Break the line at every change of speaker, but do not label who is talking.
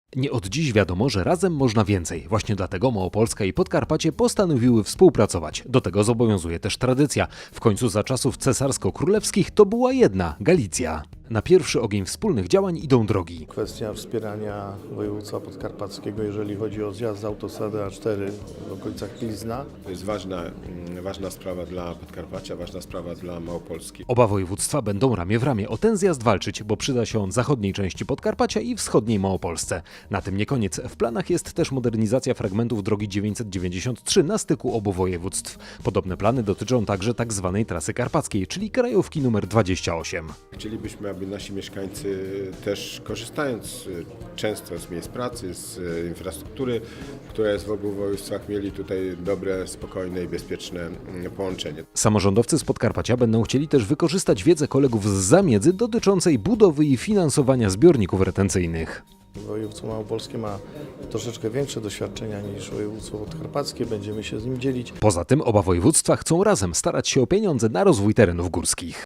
Nie od dziś wiadomo, że razem można więcej. Właśnie dlatego Małopolska i Podkarpacie postanowiły współpracować. Do tego zobowiązuje też tradycja. W końcu za czasów cesarsko-królewskich to była jedna – Galicja. Na pierwszy ogień wspólnych działań idą drogi.
Kwestia wspierania województwa podkarpackiego, jeżeli chodzi o zjazd z autostrady A4 w okolicach Pilzna.
To jest ważna sprawa dla Podkarpacia, ważna sprawa dla Małopolski.
Oba województwa będą ramię w ramię o ten zjazd walczyć, bo przyda się on zachodniej części Podkarpacia i wschodniej Małopolsce. Na tym nie koniec. W planach jest też modernizacja fragmentów drogi 993 na styku obu województw. Podobne plany dotyczą także tzw. trasy karpackiej, czyli krajówki nr 28.
Chcielibyśmy, aby nasi mieszkańcy też korzystając często z miejsc pracy, z infrastruktury, która jest w obu województwach, mieli tutaj dobre, spokojne i bezpieczne połączenie.
Samorządowcy z Podkarpacia będą chcieli też wykorzystać wiedzę kolegów z zamiedzy dotyczącej budowy i finansowania zbiorników retencyjnych.
Województwo małopolskie ma troszeczkę większe doświadczenia niż województwo podkarpackie, będziemy się z nim dzielić.
Poza tym oba województwa chcą razem starać się o pieniądze na rozwój terenów górskich.